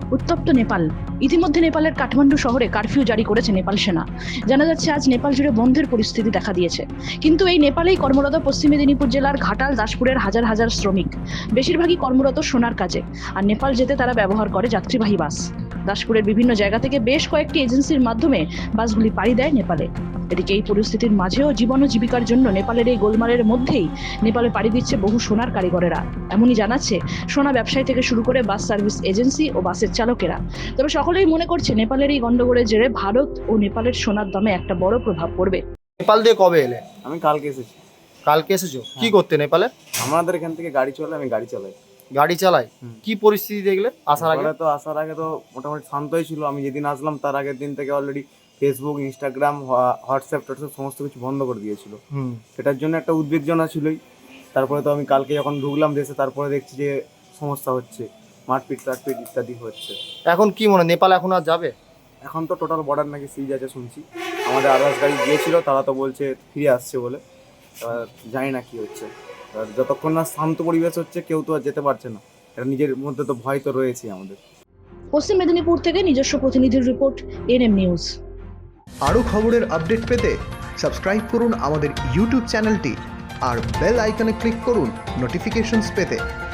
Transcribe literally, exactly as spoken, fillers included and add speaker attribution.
Speaker 1: উত্তপ্ত নেপাল। ইতিমধ্যে নেপালের কাঠমান্ডু শহরে কারফিউ জারি করেছে নেপাল সেনা। জানা যাচ্ছে আজ নেপাল জুড়ে বন্ধের পরিস্থিতি দেখা দিয়েছে। কিন্তু এই নেপালেই কর্মরত পশ্চিম মেদিনীপুর জেলার ঘাটাল দাসপুরের হাজার হাজার শ্রমিক, বেশিরভাগই কর্মরত সোনার কাজে। আর নেপাল যেতে তারা ব্যবহার করে যাত্রীবাহী বাস। দাসপুরের বিভিন্ন জায়গা থেকে বেশ কয়েকটি এজেন্সির মাধ্যমে বাসগুলি পাড়ি দেয় নেপালে। এদিকে এই পরিস্থিতির মাঝেও জীবন ও জীবিকার জন্য নেপালের এই গোলমালের মধ্যেই নেপালে পাড়ি দিচ্ছে বহু সোনার কারিগরেরা। এমনই জানাচ্ছে সোনা ব্যবসায়ী থেকে শুরু করে বাস সার্ভিস এজেন্সি ও বাসের চালকেরা। তবে সকলেই মনে করছে নেপালের এই গন্ডগোলের জেরে ভারত ও নেপালের সোনার দামে একটা বড় প্রভাব পড়বে।
Speaker 2: নেপাল দিয়ে কবে এলে?
Speaker 3: আমি কালকে এসেছি।
Speaker 2: কালকে এসেছো? কি করতে নেপালে?
Speaker 3: আমাদের এখান থেকে গাড়ি চলে, আমি গাড়ি চালাই।
Speaker 2: গাড়ি চালাই? কি পরিস্থিতি দেখলে আসার আগে?
Speaker 3: নেপালে তো আসার আগে তো মোটামুটি শান্তই ছিল। আমি যেদিন আসলাম তার আগের দিন থেকে অলরেডি ফেসবুক, ইনস্টাগ্রাম, হোয়াটসঅ্যাপ টোয়াটসঅ্যাপ সমস্ত কিছু বন্ধ করে দিয়েছিল।
Speaker 2: হুম।
Speaker 3: সেটার জন্য একটা উদ্বেগজনা ছিলই। তারপরে তো আমি কালকে যখন ঢুকলাম দেশে, তারপরে দেখছি যে সমস্যা হচ্ছে, মারপিট টাটপিট ইত্যাদি হচ্ছে।
Speaker 2: এখন কি মনে, নেপাল এখন আর যাবে?
Speaker 3: এখন তো টোটাল বর্ডার নাকি সিজ আছে শুনছি। আমাদের আদার্স গাড়ি গিয়েছিল, তারা তো বলছে ফিরে আসছে বলে। এবার জানি না কি হচ্ছে। আর যতক্ষণ না শান্ত পরিবেশ হচ্ছে কেউ তো আর যেতে পারছে না। এটা নিজের মধ্যে তো ভয় তো রয়েছে আমাদের।
Speaker 1: পশ্চিম মেদিনীপুর থেকে নিজস্ব প্রতিনিধির রিপোর্ট, এনএম নিউজ।
Speaker 4: আরও খবরের আপডেট পেতে সাবস্ক্রাইব করুন আমাদের ইউটিউব চ্যানেলটি আর বেল আইকনে ক্লিক করুন নোটিফিকেশনস পেতে।